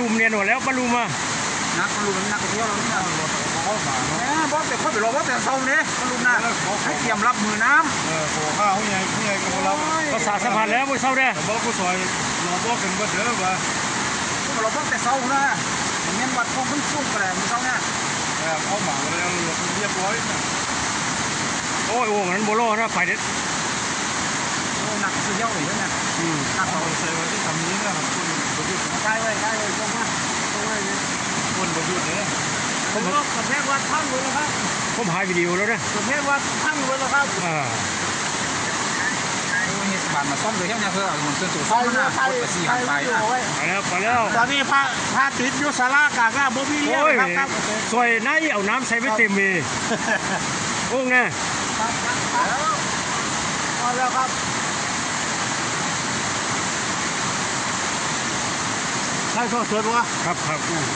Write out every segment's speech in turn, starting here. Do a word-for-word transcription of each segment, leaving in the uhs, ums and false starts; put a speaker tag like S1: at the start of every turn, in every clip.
S1: ลุมเนี่ยหนวดแล้วบาลุมอ่ะ
S2: นักบอลลูนนักเที่ยวเราเนี่ยเขาหมาเนาะบอลแต่คนไปรอบอลแต่เศร้าเนี่ยบอลลูนนะให้เตรียมรับมือน้ำเออโผล่ข้าวเขาใหญ่เขาใหญ่กับเรา
S1: ภาษาสะพานแล้วไม่เศร้าเด้
S2: บอลก็ซอยรอบอลกันก็เถอะว่าพวกเราบอลแต่เศร้านะอย่างนี้วัดของขึ้นสูงกระแดงเศร้าเนี่ยเขาหมาเลยเรียบร้อย
S1: โอ้ยโอ่งนั้นโบโลนะไฟเด็ด
S2: โอ้หนักสุดยอดเลยเนี่ยหนักเราใส่ไว้ที่ทำนี้นะครับคุณประยุทธ์ใช่เลยใช่เลยตรงมาตรงมาเนี่ยคุณประยุทธ์เนี่ยผมก็กับแม่วัดทั้งเลยนะครับ
S1: ผมถ่ายวิดีโอแล้วนะ
S2: กับแม่วัดทั้งเลยนะครับอ่าเทศบาลมาซ่อมเลยเนี่ยเพื่อเหมือนเส้นตัวซ่อมนะรถไปสี่หันไป
S1: ไปแล้วไปแล้ว
S2: ตอนนี้พระพระติดยุสารากากาบ่มีเลี้ยงครับ
S1: สวยน่าเอาน้ำใส่ไม่เต็มมีโอ้งเนี่ย
S2: มาแล้วครับใช่สวยๆปะ
S1: ครับครับ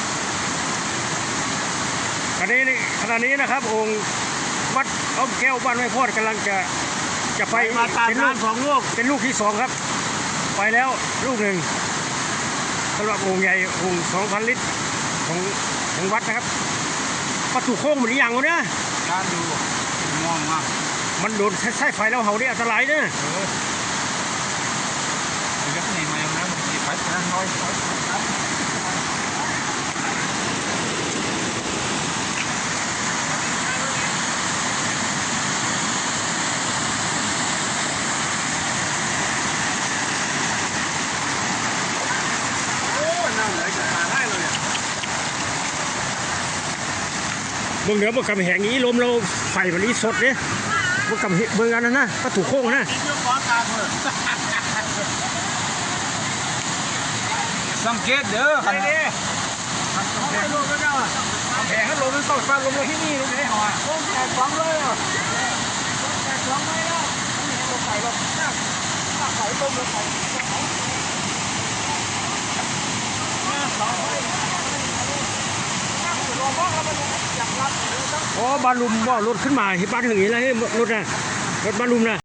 S1: ขณะนี้ขณะนี้นะครับองค์วัดอ้อมแก้วบ้านไม้พอดกำลังจะจะไป
S2: เป็นลูกสองลูก
S1: เป็นลูกที่สองครับไปแล้วลูกหนึ่งสำหรับองค์ใหญ่องค์สองพันลิตรของของวัดนะครับประตูโค้งเหมือนอย่างเลยนะ
S2: การดูมองมา
S1: มันโดนใช้ไฟแล้วเห่าได้อันตรายนะ
S2: เออเดี๋ยวนี้มาอย่างนั้นมีไฟนะน้อย
S1: เมืองเหนือเมืองกำแหงนี้ลมเราไฟมันนี้สดเนี่ยเมืองกำเมืองอันนั้นนะก็ถูกโค้งนะ
S2: สังเกตเด้อครับนี่แผงลมแล้วเจ้าแผงลมมันตกฟ้าลมเลยที่นี่ลมไม่ได้หอลมแตกสองเลยลมแตกสองเลยแล้วนี่ลมไข่ลมเนี่ยไข่ต้มลมไข่สองเลย
S1: อ๋อบาลุมบ่รถขึ้นมาที่บ้านถึงนี้แล้วให้รถนะรถบาลุมนะ